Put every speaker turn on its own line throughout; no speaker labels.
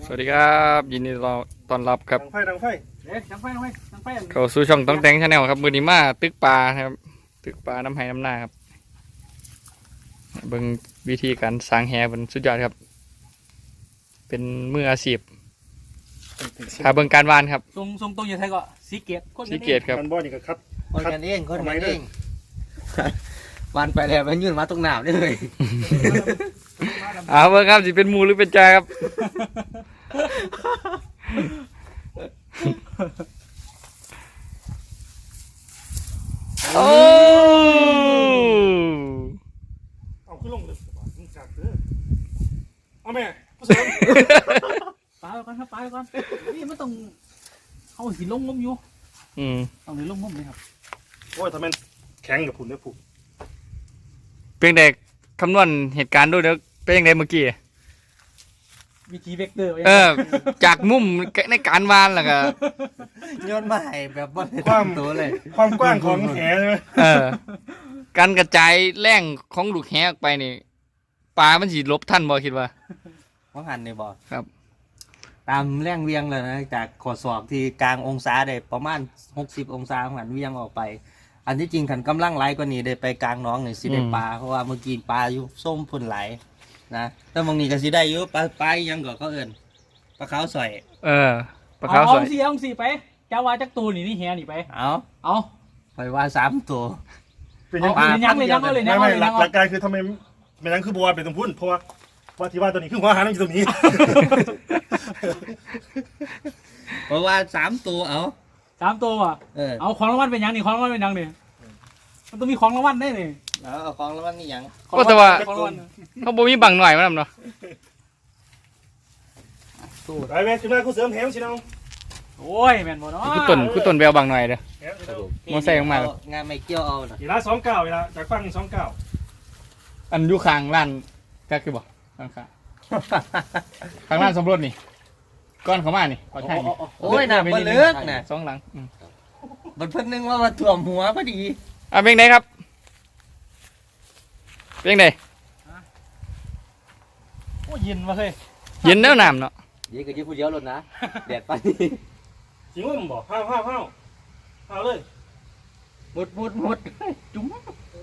สวัสดีครับยินดีต้อนรับครับ
ดังไฟ
เข้าสู่ช่องต้องแต่งชาแนลครับมือนี้มาตึกปลาครับตึกปลาน้ำไห้น้ำหน้าครับเบิ่งวิธีการสร้างแหเป็นสุดยอดครับเป็นมืออาชีพถ้าเบิ่งการวานครับ
ทรงตรงอย่างไรก็สีเกต
สีเกตครับ
มันบ่อนี่ก็คัด
คนกันเองวันไปแล้วมันยื่นมาตรงหนาวได้เลย
เอาเบิ่งครับสิเป็นหมูหรือเป็นจ่าครับโอ้
เอาขึ้นลงเลยจากเด้อเอาแม่ผู้เสริม
ปลาก่อนครับปลาก่อนนี่มันต้องเอาสีลงงมอยู่ต้องเลยลงงมเลยครับ
โอ้ยทำไมแข็งกับผุนได้ผูก
เป็นเด็กคำนวณเหตุการณ์ด้วยเด้อเป็นยังไงเมื่อกี้
วิธีเวกเตอร์
จากมุมในการวานล่ะก็
โยนมาให้แบบบอลตัวเลย
ความกว้างของแหใช่ไหม
การกระจายแรงของลูกแหออกไปนี่ปลามันสิลบท่านบ่คิดว่า
ว่าหันในบ่อ
ครับ
ตามแรงเวียงเลยนะจากขอศอกที่กลางองศาได้ประมาณ60องศาหันเวียงออกไปอันที่จริงขันกำลังไหลกว่านี้ได้ไปกลางน้องนี่สิได้ปลาเพราะว่าเมื่อกี้ปลาอยู่ส้มพุ่นไหลนะแต่บางนี้ก็สิได้อยู่ปลายังก็เขาเอิ้นปลาขาวสอย
ปลาขาวสอย
เอาสี่ไปจ้าว่าจักตูนี่แหนี่ไปเอา
ไปว่า3ตัว
เป็น
ยังเลย
ไม่หลักการคือทำไมไม่นั่งคือบัวเป็นตรงพุ่นเพราะว่าที่ว่าตัวนี้คือหัวหางนั่งอยู่ตรงนี้
เพราะว่า3ตัว
3ตัวอ่ะเอาของรางวัลเป็นยังนี่ของรางวัลเป็นยังนี่มันต้องมีของรางวัลได้นี่
เอาของรางวัลนี่ยัง
ก็แต่ว่าเขาบ่มีบังหน่อยมั้งเนาะ
ไปแม่จุดนั้นกูเสริมแหมสิน้อง
โอ้ยแม่นบ่เนาะ
คือต้นแววบังหน่อยเด้อมอใส่ลงมาง
านไม่เกี่ยวเอา
เวลา29เวลาจากฟัง29
อันอยู่ข้างร้านก็คือบ่ข้างร้านสมรสนี่ก้อนเขามานี่ขอใช่นี่
โอ้ยน่ะบ่เลิกน่ะ
2หลัง
มันเพิ่นนึงว่าถ่วมหัวพอดี
เป็นไงครับเป็นไง
โอ้ยินมาเลย
ยินแล้วน้ำเนาะ
ยินก็ยินผู้เดียวรถนะแดดไป
จริงว่ามึงบอกห้าวเลย
หมดจุ๋ม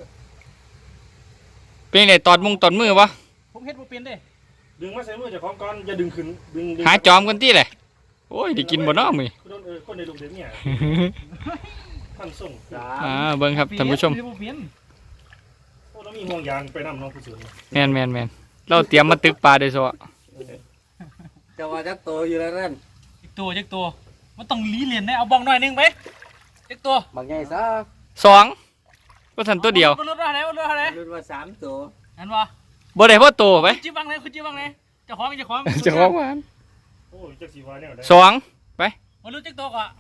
เป็นไงตอดมือวะ
ผมเฮ็ดบ่เป็นเด้
ดึงมาใส่มือจากของก่อนอย่าดึงขึ้นดึง
หาจอมกันที่เลยโอ้ยได้กินบ่เนาะมื้อ
คนในลูกเด็กเนี่ยท่านส่ง
เบิ่งครับท่านผู้ชม
โอ้ต้องมีห่วงยางไปนำน้องผู้สูง
แม่นเราเตรียมมาตึกปลาโดยเฉพาะ
จะว่าจักตัวอยู่แล้วนั่น
จักตัวมันต้องลีเลียนได้เอาบ้องหน่อยนึงไปจักตัว
บางใหญ่ซะ
2ก็ทันตัวเดียว
รุ่นอะไรรุ่
นว่า3ตัว
นั่นวะ
บ่ได้พอตัวไป
จิ้มบ้างเลยคุณจิ้มบ้างเลยจะคล้อง
หวาน
โอ้ยจักสีวานเนี่ย
2ไป
มาลุ้นจักตัวก่อน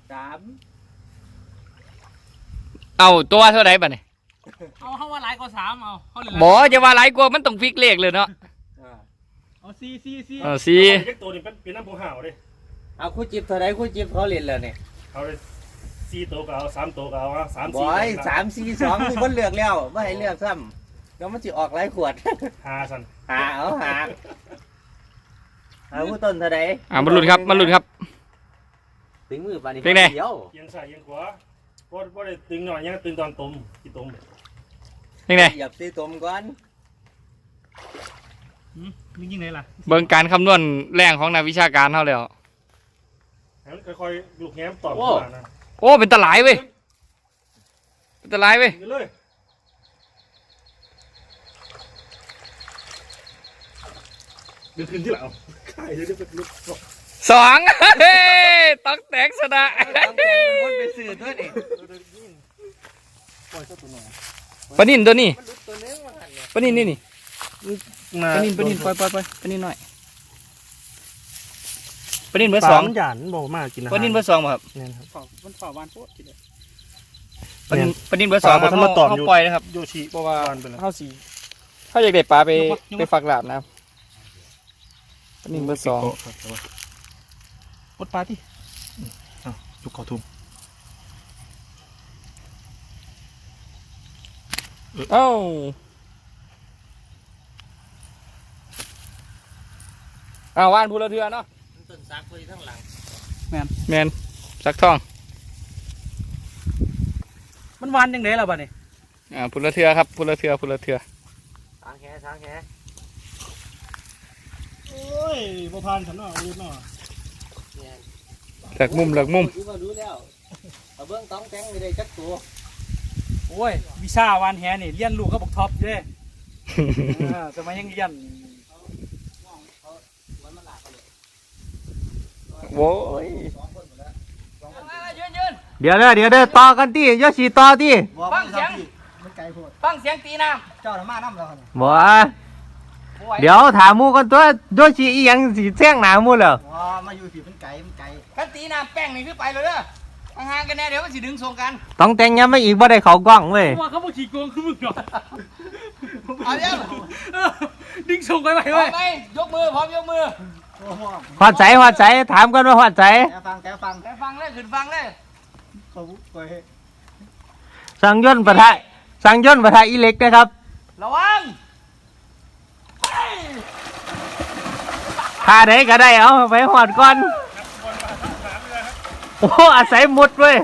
3
เอาตัวเท่าไหร่บัดนี้
เอาว่าหลายกว่า3เอา
บ่จะว่าหลายกว่ามันต้องฟิกเลขเลยเนาะ
เอา4
จักตัวนี่เป็นน้ำผงห่าวเลย
เอาคู่จิบเท่าไหร่คู่จิบเขาเล่นแล้วเนี่ย
เอาเลย4ตัวก็เอา3ตัวก็เอา3 4
บ่อย3 4 2มีคนเลือกแล้วไม่ให้เลือกซ้ำแล้วมันจะออกหลายขวด
5สั่น
เอาผู้ต้นเท่าไหร่
มาลุ้นครับ
ถึงมือปานนี้
เป็นไง
ยังใส่ยังขวาบ่ได้ตึงหน่อยยังตึงตอนต้มกี่ต้ม
เป็นไง
หยับตีต้มก่อน
ยิงไหนล่ะ
เบิ่งการคำนวณแรงของนักวิชาการเท่าแล้ว
ค่อยๆลูกแง้มตอบมานะ
โอ้เป็นตะไลเว้ย
ดึงขึ้นที่หลังใช่จะเป็นลูก
2ต้องแตกชนะ
มันไปสื่อด้วยนี่
ปนินตัวนี้ปนินนี่ปนินปนินหน่อยปนินเบอร์2
หยานบอกมากกิน
ปนินเบอร์2ครับ
เนี่ยครับมันฝ่าวานโคตรทีเดียว
ปนินเบอร์2ครับเขาปล่อยนะครับ
โยชิเพราะว่า
เข้าสีถ้าอยากได้ปลาไปฝักหลาบนะครับปนินเบอร์2
ปลดปลาที่
จุกเขาทุ่ม
ว่านพูละเทือเนาะ
ต้นซักไว้ทั้งหลัง
แมนสักทอง
มันหวานยังไงล่ะบัดนี้
พุละเทือครับพุละเทือ
ทางแห
โอ้ยบ่ผ่านฉันเนาะอาวุธเนาะ
เนี่ย
เลือกมุม
รู้แล้วเอาเบื้องต้องแจ้งไม่ได้จักตัว
โอ้ยวิชาหวานแหนี่เรียนรู้กับบักท็อปเด้แต่มันยังเรียน
โว้ย
เดี๋ยวเด้อต่อกันที่ยอชีต่อที่
ฟังเสียง
มันไกลโพด
ฟังเสียงตีน้
เจ้าน่ะมาน้ำแล้วเนี่ย
บ่
ำ
เดี๋ยวถามหมูกันตัวยอชีอีหยังสิแจ้งหนาหมูแล้ว
อ๋อมาอยู่ที่มันไกล
คันตีน้ำแป้งนี่คือไปเลยเด้อห่างๆกันแน่เดี๋ยวมันสิดึงส่งกัน
ต้องแต่งย้ำไม่อีกบ่ได้เขากล้องเว้ย
ว่าเขาบอกขี่โกงคือมึงเหรอ
เอาเดี๋ยว
ดึงส่งไปไป
พร้อ
ไว้
มไหมยกมือพร้อมยกมือ
หอดใจถามกันว่าหอดใจ
แกฟัง
ไปฟังเลยขึ้นฟังเลย
เขาไป
สั่งย่นต์ปะทะอีเล็กนะครับ
ระวัง
ท่าไหนก็ได้เอาไปหอดก่อนโอ้อาศัยมุดเว้ย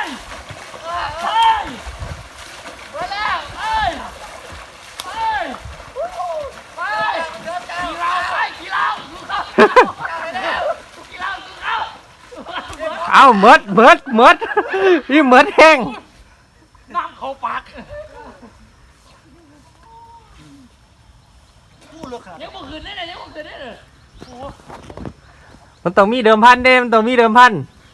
ไปแล้วไปขี่เราไปขี่เราสู้เขาไปแล้วขี่เราสู้เขา
เอาเมิดนี่เมิดแห้ง
น้ำเขาปาก
ยังบ่ขึ้นได้เลยยังบ่ขึ้นได้เลย
มันต้องมีเดิมพันมันต้องมีเดิมพัน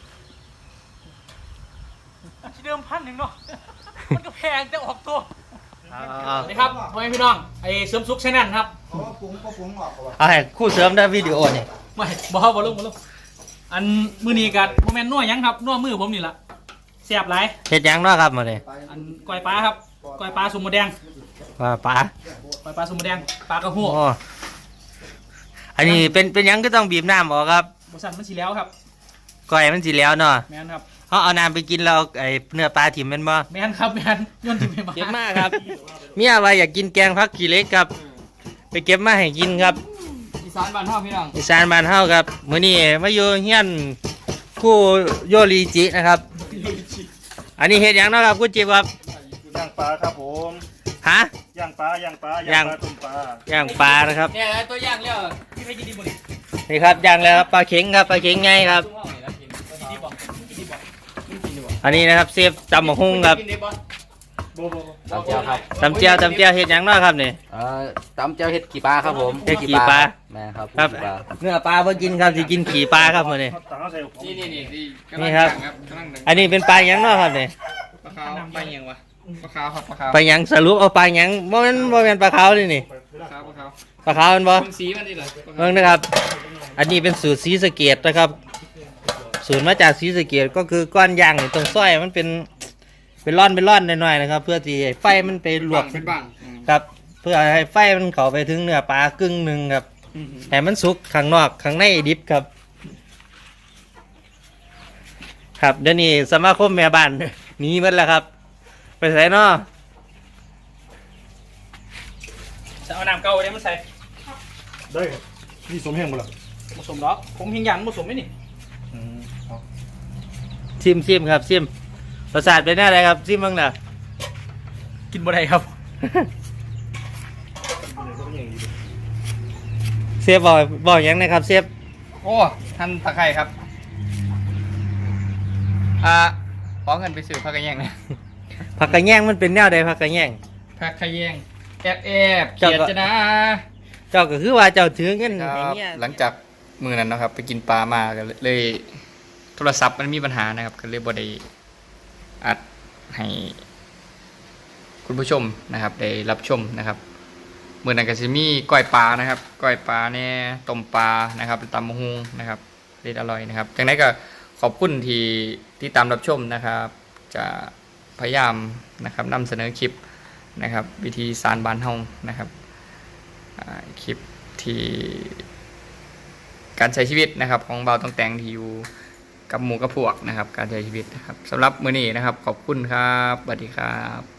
ที่เดิมพันหนึ่งเนาะมันก็แพงแต่ออกตัว
เอา
นี่ครับพ่อแม่พี่น้องไอ้เสริมสุขชแนลครับ
เอาให้คู่เสริมได้วิดีโอนี่
ไม่บ่ลงอันมือนี้กัโมเมนต์นัวหยังครับนัวมือผมนี่ละแซ่บหลาย
เฮ็ดหยังเนาะครับมาเลย
อันก้อยปลาครับก้อยปลาสุมหมแดง
ว่าป๋า
ก้อยปลาสุมหมแดงปลากระหัว
โอ้อันนี้เป็นหยังก็ต้องบีบน้ำออกครับ
บสันมันสีแล้วครับ
ก่อยมันสิแล้วเนาะ
แมนครับ
เขาเอาน้ำไปกินแล้วไอ้เนื้อปลาถิ่มแมันบ่
แมนครับแมนย้อนถิ่มไปมา
เก็บมาครับ เมียว่าอยากกินแกงผักขี้เหล็กครับ ไปเก็บมาให้กินครับ
อีสานบ้านเฮาพี่น้อง
อีสานบ้านเฮาครับมื้อนี้มาอยู่เฮียนคู่โยริจินะครับ อันนี้เฮ็ดหยังเนาะครับคุณจิบครับ
ย่างปลาครับผม
ฮะ
ย่างปลาต้มปลา
ย่างปลานะครับ
เนี่ยตัวอย่างแล้ว
ที่ไม่กินดีบ่นี่
นี่ครับย่างแล้วครับปลาเข็งครับปลาเข็งไงครับ
ซุ่มเฮานี่แล้วกิน
กินดีบ่กินดีบ่
กินดีบ่
อันนี้นะครับเซฟตำบักหุ่งครับ
กินดีบ่
โบ
ตำเจียวครับ
ตำเจียวเฮ็ดหยังเนาะครับนี่
ตำเจียวเห็ดกี่ปลาครับผม
เฮ็ดกี่ปลา
แม่ครับ
ครับเนื้อปลาเพิ่งกินครับสิกินขี่ปลาครับมื้อนี้
ต่างเขาใส่
นี่
นี่ครับ อันนี้เป็นปลาหยังเนาะครับนี่
ปลาขาวปลาหยังวะปลาขาวครับปลาขาว
ปลาหยังสรุปเอาปลาหยังบ่แม่นปลาขาวนี่นี่
ปลาขาว
ปลาขาวมันบ่
เบิ่งสีมันดิเหรอ
เบิ่งนะครับ อันนี้เป็นสูตรศรีสะเกษนะครับ สูตรมาจากศรีสะเกษก็คือก้อนย่างนี่ตรงส้อยมันเป็นร่อนหน่อยๆนะครับ เพื่อที่ให้ไฟมันไปลวก
เป็นบ้าง
ครับ เพื่อให้ไฟมันเข้าไปถึงเนื้อปลากึ่งหนึ่งครับให้มันสุกข้างนอกข้างในดิบครับ ครับเดี๋ยวนี้สมาคมแม่บ้าน หนีหมดแล้วครับ ไปใส่เนาะ
จะเอาน้ำเก่าเนี่ยมันใส่
ได้ครับนี่สมแห้งหมดแล้ว
ผสมหรอกผมเพียงยันผสมไม่นี่
ซิมครับซิมประสาทเป็นอะไรครับซิมบ้างนะ
กินบ่ได้ครับ
เซฟบอกหยังนะครับเซฟ
โอ้ท่านตะไคร่ครับขอเงินไปซื้อผักกระแยงนะ
ผักกระแยงมันเป็นแนวใดผักกระแยง
ผักกระแยงแอบเกลียดจะนะ
เจ้าก็คือว่าเจ้าถือเงิน
ค
อ
รั
ย่าง
บ
เงี้ย
หลังจากมือนั้นนะครับ ไปกินปลามาก็เลยโทรศัพท์มันมีปัญหานะครับ ก็เลยบ่ได้อัดให้คุณผู้ชมนะครับได้รับชมนะครับมือนั้นก็จะมีก้อยปลานะครับก้อยปลาเนี่ยต้มปลานะครับตำมะฮุงนะครับเด็ดอร่อยนะครับจากนั้นก็ขอบคุณที่ตามรับชมนะครับ จะพยายามนะครับนำเสนอคลิปนะครับวิธีสารบานเฮานะครับคลิปที่การใช้ชีวิตนะครับของเบาต้องแต่งที่อยู่กับหมู่กับพวกนะครับการใช้ชีวิตนะครับสำหรับมื้อนี้นะครับขอบคุณครับสวัสดีครับ